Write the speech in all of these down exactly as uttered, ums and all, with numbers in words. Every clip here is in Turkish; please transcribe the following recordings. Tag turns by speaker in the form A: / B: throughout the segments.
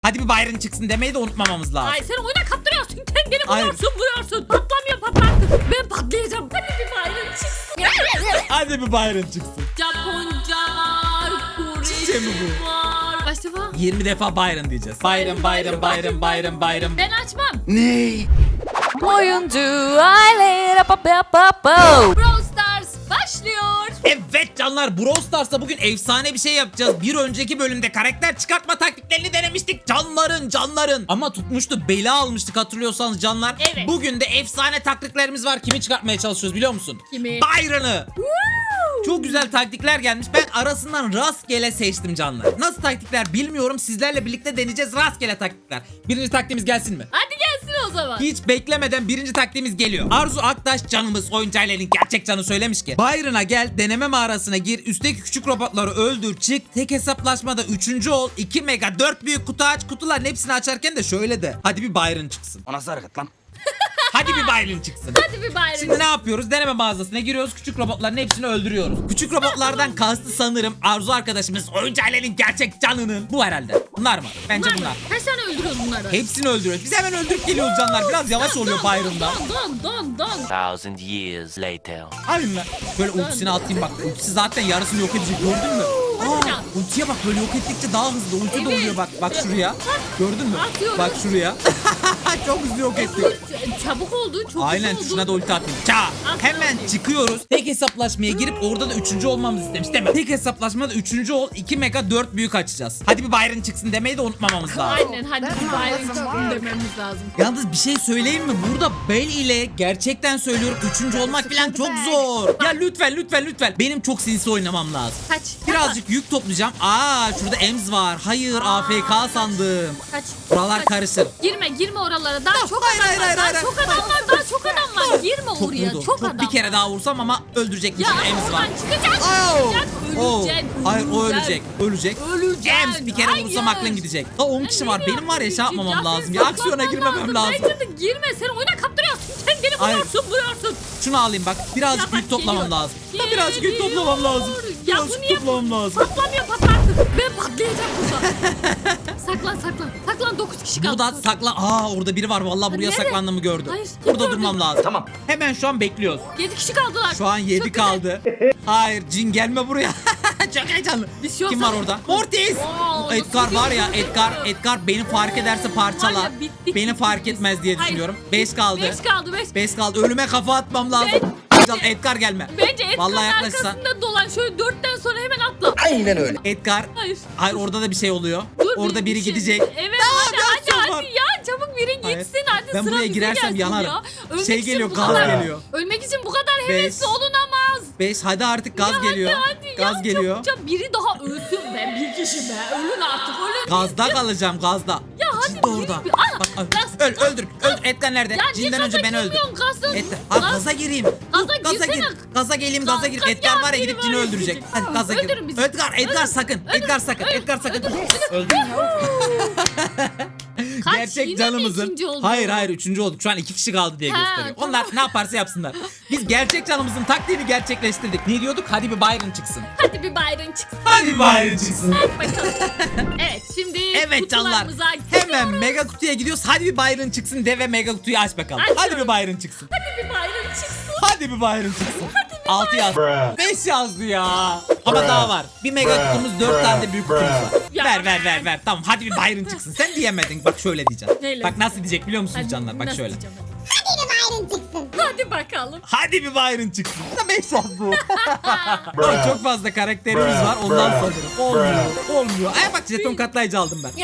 A: Hadi bir Byron çıksın demeyi de unutmamamız lazım.
B: Ay sen oyuna kaptırıyorsun. Sen beni
A: Hayır.
B: vuruyorsun vuruyorsun. Patlamıyor patlattı. Ben patlayacağım. Hadi bir Byron çıksın.
A: Hadi bir Byron çıksın.
B: Japonca var.
A: Çiçeği mi
B: Korece
A: bu?
B: var. Başka
A: yirmi defa Byron diyeceğiz. Byron, Byron, Byron, Byron, Byron.
B: Ben açmam.
A: Ne?
C: Oyuncu aile pa pa pa pa.
B: Brawl Stars başlıyor.
A: Evet canlar, Brawl Stars'ta bugün efsane bir şey yapacağız. Bir önceki bölümde karakter çıkartma taktiklerini denemiştik. Canların canların. Ama tutmuştu, bela almıştık hatırlıyorsanız canlar.
B: Evet.
A: Bugün de efsane taktiklerimiz var. Kimi çıkartmaya çalışıyoruz biliyor musun?
B: Kimi?
A: Byron'ı. Çok güzel taktikler gelmiş. Ben arasından rastgele seçtim canlar. Nasıl taktikler bilmiyorum. Sizlerle birlikte deneyeceğiz rastgele taktikler. Birinci taktiğimiz gelsin mi?
B: Hadi gelsin o zaman.
A: Hiç beklemeden birinci taktiğimiz geliyor. Arzu Aktaş canımız oyuncu ailenin gerçek canı söylemiş ki Byron'a gel, deneme mağarasına gir, üstteki küçük robotları öldür, çık, tek hesaplaşmada üçüncü ol, iki mega dört büyük kutu aç, kutuların hepsini açarken de şöyle de hadi bir Byron çıksın.
D: O nasıl hareket lan?
A: Hadi bir Byron çıksın.
B: Hadi bir Byron.
A: Şimdi ne yapıyoruz? Deneme mağazasına giriyoruz. Küçük robotların hepsini öldürüyoruz. Küçük robotlardan kastı sanırım Arzu arkadaşımız oyuncu ailenin gerçek canının. Bu herhalde. Bunlar mı? Bence
B: Bunlar mı?
A: bunlar.
B: Kaç tane öldürüyoruz bunları?
A: Hepsini öldürüyoruz. Biz hemen öldürüp geliyoruz canlar. Biraz yavaş oluyor Byron'da.
B: Don don don don.
D: Thousand years later.
A: Aynen. Böyle ultisini atayım bak. Ultisi zaten yarısını yok edecek. Gördün mü?
B: Hadi
A: Aa,
B: lan.
A: ultiye bak, böyle yok ettikçe daha hızlı. Ulti de
B: Evet.
A: oluyor bak. Bak şuraya. Gördün mü?
B: Atıyorum.
A: Bak şuraya. Çok hızlı yok etti.
B: Ç- Çabuk oldu. Çok
A: Aynen,
B: hızlı oldu.
A: şuna da ulti atayım. Ça. Hemen çıkıyoruz. Tek hesaplaşmaya girip orada da üçüncü olmamızı istemiş değil mi? Tek hesaplaşmada üçüncü ol. iki mega dört büyük açacağız. Hadi bir Byron çıksın demeyi de unutmamamız lazım.
B: Aynen hadi bir Byron çıksın dememiz lazım.
A: Yalnız bir şey söyleyeyim mi? Burada Bell ile gerçekten söylüyorum üçüncü olmak falan çok zor. Ya lütfen lütfen lütfen. Benim çok sinsi oynamam lazım.
B: Kaç.
A: Birazcık yük toplayacağım. Aa, şurada Ems var. Hayır, A F K sandım.
B: Kaç.
A: Buralar
B: Kaç.
A: karışır.
B: Girme girme oralara. Daha çok
A: hayır,
B: adam
A: hayır,
B: var.
A: hayır,
B: Daha
A: hayır,
B: çok
A: hayır.
B: adam var. Daha çok adam var. Girme
A: Çok
B: oraya.
A: vurdu.
B: Çok,
A: Çok
B: adam
A: bir kere
B: var.
A: daha vursam ama öldürecekmiş.
B: Ya
A: Ems var.
B: oradan çıkacak.
A: Au!
B: Çıkacak.
A: Oo.
B: Ölecek.
A: Hayır, o ölecek. Ölecek.
B: Ölecek.
A: Ems bir kere vursam
B: Hayır.
A: aklın gidecek. Daha on kişi var. Benim var ya şey yapmamam
B: Ya
A: lazım.
B: sen
A: Ya aksiyona
B: saklanman
A: girmemem lazım.
B: Bence de girme. Sen oyuna kaptırıyorsun. Sen beni
A: Hayır.
B: vuruyorsun vuruyorsun.
A: Şunu alayım bak. Birazcık
B: Ya bak,
A: yük toplamam
B: geliyor.
A: lazım. Ya birazcık yük toplamam lazım.
B: Ya bu
A: Birazcık
B: niye
A: toplamam lazım.
B: patlamıyor patlattı. Ben patlayacağım burada. saklan saklan. Saklan dokuz kişi kaldı.
A: Burada saklan. Aa, orada biri var. Vallahi buraya
B: Nerede?
A: saklandığımı gördü.
B: Hayır, kim
A: Burada
B: gördü?
A: durmam lazım.
D: Tamam.
A: Hemen şu an bekliyoruz.
B: yedi kişi kaldılar.
A: Şu an yedi
B: Çok güzel.
A: kaldı. Hayır, cin gelme buraya. Çok heyecanlı.
B: Bir şey
A: Kim
B: olsa-
A: var orada? Mortis.
B: Oo,
A: Edgar
B: nasıl
A: var ya,
B: gidiyor?
A: Edgar Edgar beni fark ederse parçalar.
B: Var ya, bittik,
A: Beni
B: bittik
A: fark
B: biz.
A: etmez diye
B: Hayır.
A: düşünüyorum. beş kaldı.
B: beş kaldı beş.
A: beş kaldı. Ölüme kafa atmam lazım. Can, Edgar gelme.
B: Bence Edgar'ın
A: Vallahi yaklaşsan.
B: arkasında dolan. Şöyle dörtten sonra hemen atla.
D: Aynen öyle.
A: Edgar.
B: Hayır.
A: Hayır, orada da bir şey oluyor.
B: Dur,
A: Orada
B: bir-
A: biri
B: bir şey-
A: gidecek.
B: Evet
A: Daha
B: hadi
A: bir
B: hadi
A: aksiyon
B: hadi
A: var.
B: ya çabuk biri
A: Hayır.
B: gitsin hadi
A: Ben
B: sıra
A: buraya
B: bize
A: girersem
B: gelsin
A: yanarım.
B: ya. Ölmek
A: Şey
B: için
A: geliyor,
B: bu
A: gaz
B: kadar-
A: geliyor.
B: Ölmek için bu kadar
A: Beş.
B: hevesli olunamaz.
A: beş. Hadi artık gaz
B: Ya
A: geliyor.
B: Hadi, hadi
A: Gaz
B: ya,
A: geliyor.
B: Çabuk, çabuk. Biri daha ölsün be. Bir kişi be. Ölün artık ölün.
A: Gazda kalacağım, gazda.
B: Ya hadi
A: Cin de orada.
B: yürü bir- Aa,
A: Bak, al.
B: gaz-
A: öl, öldür. Öldür. Edgar nerede?
B: Ya niye
A: Cinden
B: gaza
A: önce beni öldür.
B: girmiyorsun? Gazda-
A: Edgar. Ha,
B: Gaz-
A: gaza gireyim.
B: Gaza
A: Dur, gaza
B: girsene.
A: gir. Gaza geleyim,
B: Gaz-
A: gaza gir.
B: gaz-
A: Edgar var ya,
B: biri
A: gidip
B: var
A: Cin'i
B: ya,
A: öldürecek.
B: gidecek.
A: Hadi gaza gir.
B: Öldürün bizi.
A: Edgar, Edgar sakın. Edgar sakın. Edgar sakın. Öldür.
B: Kaç?
A: Gerçek
B: Yine mi
A: canımızın.
B: ikinci olduk?
A: Hayır hayır, üçüncü olduk. Şu an iki kişi kaldı diye
B: Ha,
A: gösteriyor.
B: tamam.
A: Onlar ne yaparsa yapsınlar. Biz gerçek canımızın taktiğini gerçekleştirdik. Ne diyorduk? Hadi bir Byron çıksın.
B: Hadi bir Byron çıksın.
A: Hadi bir Byron çıksın.
B: Bakalım. Evet şimdi
A: Evet canlar.
B: kutularımıza
A: Hemen
B: gidiyoruz.
A: mega kutuya gidiyoruz. Hadi bir Byron çıksın de ve mega kutuyu aç bakalım.
B: Açıyorum.
A: Hadi bir Byron çıksın.
B: Hadi bir Byron çıksın.
A: Hadi bir Byron çıksın. altı yazdı. beş yazdı ya. Ama daha var. Bir mega kutumuz, dört tane de büyük kutumuz var.
B: Ya.
A: Ver ver ver ver. Tamam, hadi bir Byron çıksın. Sen diyemedin. Bak şöyle diyeceğim.
B: Neyle?
A: Bak nasıl diyecek biliyor musunuz
B: Hadi,
A: canlar? Bak
B: nasıl
A: şöyle.
B: diyeceğim hadi? Hadi bakalım.
A: Hadi bir Byron çıksın. Da beş yazdı. Ama çok fazla karakterimiz var. Ondan sanırım. Olmuyor. Olmuyor. Ay bak, jeton katlayıcı aldım ben.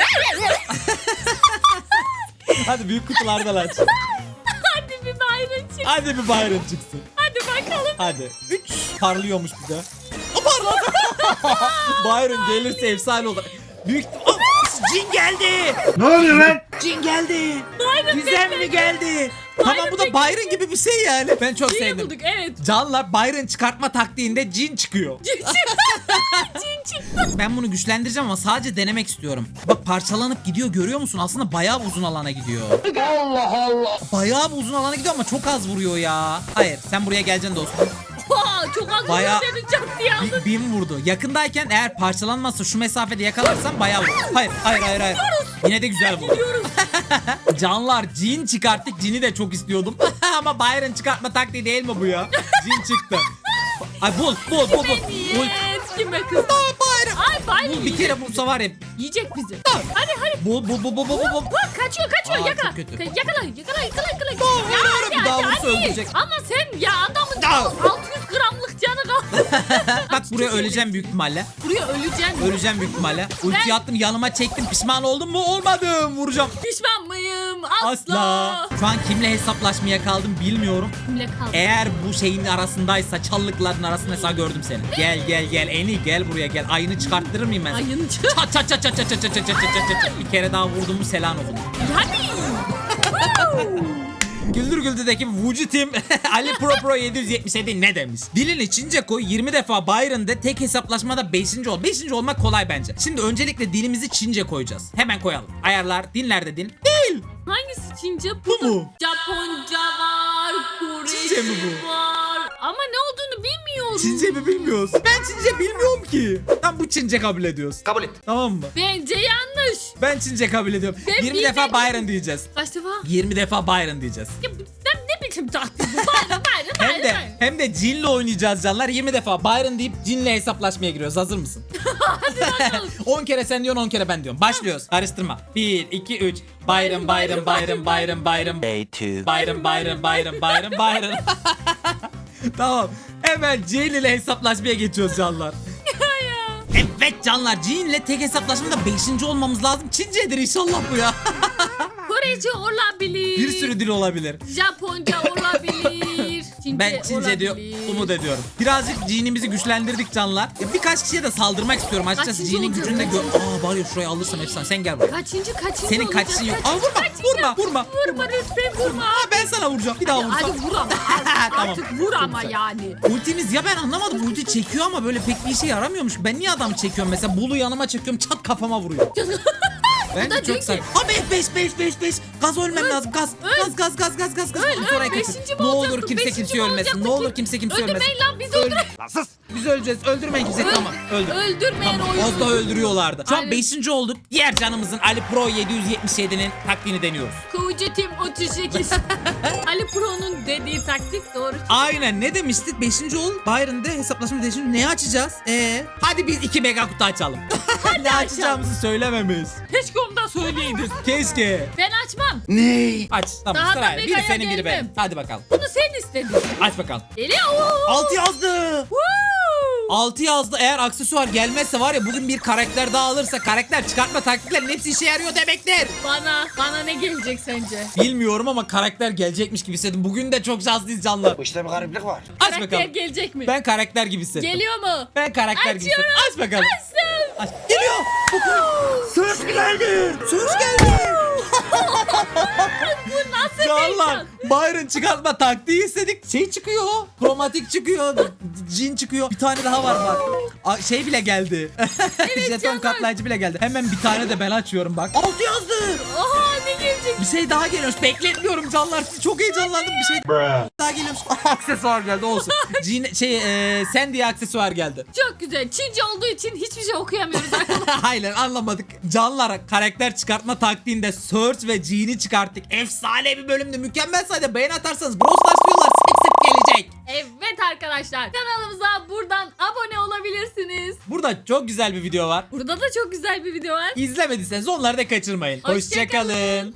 A: Hadi büyük kutulardan aç.
B: Hadi bir Byron çıksın.
A: Hadi bir Byron çıksın.
B: Hadi bakalım.
A: Hadi. üç parlıyormuş bir de. O parladı. Byron gelirse efsane olur. Büyük... Oh, cin geldi.
D: Ne oluyor lan?
A: Cin geldi.
B: Byron
A: Güzel mi geldi? Tamam, bu da
B: bekle.
A: Byron gibi bir şey yani. Ben çok
B: Cini
A: sevdim.
B: bulduk evet.
A: Canlar, Byron çıkartma taktiğinde cin çıkıyor.
B: Cin çıktı. Cin çıktı.
A: Ben bunu güçlendireceğim ama sadece denemek istiyorum. Bak, parçalanıp gidiyor, görüyor musun? Aslında bayağı uzun alana gidiyor.
D: Allah Allah.
A: Bayağı uzun alana gidiyor ama çok az vuruyor ya. Hayır, sen buraya geleceksin dostum.
B: Oha, çok az
A: Bayağı-
B: Bayağı... seni çok diye aldım.
A: Bi- Bin vurdu. Yakındayken eğer parçalanmazsa şu mesafede yakalarsan bayağı vurur. Hayır hayır hayır hayır. Yine de güzel bu. Canlar cin çıkarttık. Cini de çok istiyordum. Ama Byron çıkartma taktiği değil mi bu ya? Cin çıktı. Ay bul bul bul bul. Bul.
B: Niyet kime kızdın?
A: Byron.
B: Ay Byron
A: Bul bir kere bulsa var ya.
B: yiyecek bizi. Hadi hadi.
A: Bul bul bul bul bul bul.
B: Bak kaçıyor kaçıyor
A: Aa,
B: yakala.
A: çok kötü.
B: Ka- Yakala yakala yakala yakala.
A: Tamam,
B: Ya
A: yürü,
B: hadi
A: bir daha
B: hadi
A: vursa
B: hadi.
A: öldürecek.
B: Ama sen ya adamın
A: Aa.
B: altı yüz gramlık canı kaldı.
A: Bak buraya öleceğim büyük ihtimalle.
B: Buraya öleceksin.
A: Öleceğim büyük ihtimalle.
B: Ben-
A: Ulti attım yanıma çektim. Pişman oldum mu? Olmadım. Vuracağım.
B: Pişman mıyım? Asla.
A: Asla. Şu an kimle hesaplaşmaya kaldım bilmiyorum.
B: Kimle kaldı?
A: Eğer bu şeyin arasındaysa, çallıkların arasında mesela gördüm seni. Gel gel gel Eni gel buraya gel. Ayını çıkarttırır mıyım ben? sana?
B: Ayın çık.
A: Çat çat çat çat çat çat çat çat çat çat çat. Bir kere daha vurdum mu selam olsun.
B: Hadi.
A: Güldür Güldür'deki Vucitim Ali Pro Pro yedi yüz yetmiş yedi ne demiş? Dilini Çince koy yirmi defa Byron'da tek hesaplaşmada beşinci ol. beşinci olmak kolay bence. Şimdi öncelikle dilimizi Çince koyacağız. Hemen koyalım. Ayarlar dinlerde dil. Değil.
B: Hangisi Çince?
A: Bu mu?
B: Japonca var. Korece
A: Çince mi bu?
B: var. Ama ne olduğunu bilmiyorum.
A: Çince mi bilmiyoruz? Ben Çince bilmiyorum ki. Tam bu Çince kabul ediyoruz.
D: Kabul et.
A: Tamam mı?
B: Bence yanlış.
A: Ben Çince kabul ediyorum.
B: Ben
A: yirmi
B: bilmem.
A: defa Byron diyeceğiz.
B: Kaç defa?
A: yirmi defa Byron diyeceğiz.
B: Ya bu- sen ne biçim taktın bu? Bayram bayram
A: Hem
B: bayram.
A: de hem de Jin'le oynayacağız canlar. yirmi defa Byron deyip Jin'le hesaplaşmaya giriyoruz. Hazır mısın? on kere sen diyorsun on kere ben diyorum. Başlıyoruz. Karıştırma. bir iki üç. Byron Byron Byron Byron Byron.
D: Day two.
A: Byron Byron Byron Byron Byron. Tamam. Hemen Jin ile hesaplaşmaya geçiyoruz canlar. Evet canlar, Jin ile tek hesaplaşmada beşinci olmamız lazım. Çincedir inşallah bu ya.
B: Korece olabilir.
A: Bir sürü dil olabilir.
B: Japonca olabilir. Çince
A: Ben Çince
B: olabilir.
A: diyor, umut ediyorum. Birazcık Jin'imizi güçlendirdik canlar. Ya birkaç kişiye de saldırmak istiyorum açıkçası.
B: Kaçıncı
A: Jin'in
B: olacak?
A: gücünü de gör. Aa var ya şurayı alırsam efsane. Sen gel buraya.
B: Kaçıncı kaçıncı
A: Senin
B: olacak?
A: kaçışın yok.
B: Kaç-
A: Aa vurma,
B: kaçıncı?
A: vurma, vurma.
B: Vurma lütfen vurma.
A: Aa ben sana vuracağım. Bir daha
B: Ya
A: vursam.
B: hadi vur ama.
A: Tamam.
B: Artık vur
A: Çok
B: ama
A: güzel.
B: yani.
A: Ultimiz ya ben anlamadım. Ulti çekiyor ama böyle pek bir işe yaramıyormuş. Ben niye adam çekiyorum mesela? Bulu yanıma çekiyorum, çat kafama vuruyor. Bence
B: da diyor
A: çok saçma.
B: ki-
A: Aa beş beş beş beş beş. Gaz ölmem lazım. Gaz. Gaz gaz gaz gaz gaz gaz.
B: Öl,
A: Bunu sonraya
B: öl,
A: kaçır.
B: beşinci mi
A: Ne olur
B: olacaktı,
A: kimse
B: beşinci
A: kimse
B: mi
A: ölmesin.
B: olacaktı
A: Ne olur
B: ki?
A: kimse kimse ölmesin.
B: Öldürmeyin lan bizi öldürmeyin.
D: Lan sus.
A: Biz öleceğiz. Öldürmeyin kimse. Tamam. Öldür.
B: Öldürmeyin
A: Tamam.
B: oyunu.
A: Az daha öldürüyorlardı. Şu an
B: Aynen.
A: beşinci olduk. Diğer canımızın Ali Pro yedi yüz yetmiş yedi'nin taktiğini deniyoruz.
B: Kucutim otuz sekiz. Ali Pro'nun dediği taktik doğru.
A: Aynen ne demiştik? beşinci ol. Byron'da hesaplaşma değişimi ne açacağız? Ee, hadi biz iki mega kutu açalım. ne açacağımızı söylememiş.
B: Keşke onu da söyleydin.
A: Keşke.
B: Ben açmam.
D: Ne?
A: Aç. Tamam
B: Daha da
A: sırayla. Biri
B: megaya
A: senin biri benim.
B: gelmem.
A: Hadi bakalım.
B: Bunu sen istedin.
A: Aç bakalım.
B: Geliyor.
A: altı yazdı.
B: Woo!
A: altı yazdı. Eğer aksesuar gelmezse var ya bugün bir karakter daha alırsa karakter çıkartma taktiklerin hepsi işe yarıyor demektir.
B: Bana, bana ne gelecek sence?
A: Bilmiyorum ama karakter gelecekmiş gibi hissettim. Bugün de çok şanslıyız canlar.
D: Bu işte bir gariplik var.
A: Aç
B: Karakter
A: bakalım.
B: gelecek mi?
A: Ben karakter gibi hissettim.
B: Geliyor mu?
A: Ben karakter gibi
B: Açıyorum.
A: hissettim. Aç bakalım.
B: Açtım.
A: Aç. Geliyor. Söz geldi. Söz geldi.
B: Bu nasıl
A: Canlar
B: heyecan?
A: Byron çıkartma taktiği istedik. Şey çıkıyor. Kromatik çıkıyor. Cin çıkıyor. Bir tane daha var bak. Aa, şey bile geldi. Jeton
B: canlar.
A: katlayıcı bile geldi. Hemen bir tane de ben açıyorum bak. altı yazdı.
B: Aha ne gelecek?
A: Bir şey daha geliyormuş. Bekletmiyorum canlar. Çok heyecanlandım. Bir şey daha geliyormuş. Aksesuar geldi olsun. Cin, şey e, sen diye aksesuar geldi.
B: Çok güzel. Çince olduğu için hiçbir şey okuyamıyoruz arkadaşlar.
A: Aynen anlamadık. Canlar karakter çıkartma taktiğinde Search ve Jean'i çıkarttık. Efsane bir bölümdü. Mükemmel sayede beğen atarsanız Brawl Stars diyorlar sık sık gelecek.
B: Evet arkadaşlar. Kanalımıza buradan abone olabilirsiniz.
A: Burada çok güzel bir video var.
B: Burada da çok güzel bir video var.
A: İzlemediyseniz onları da kaçırmayın.
B: Hoşça
A: Hoşçakalın.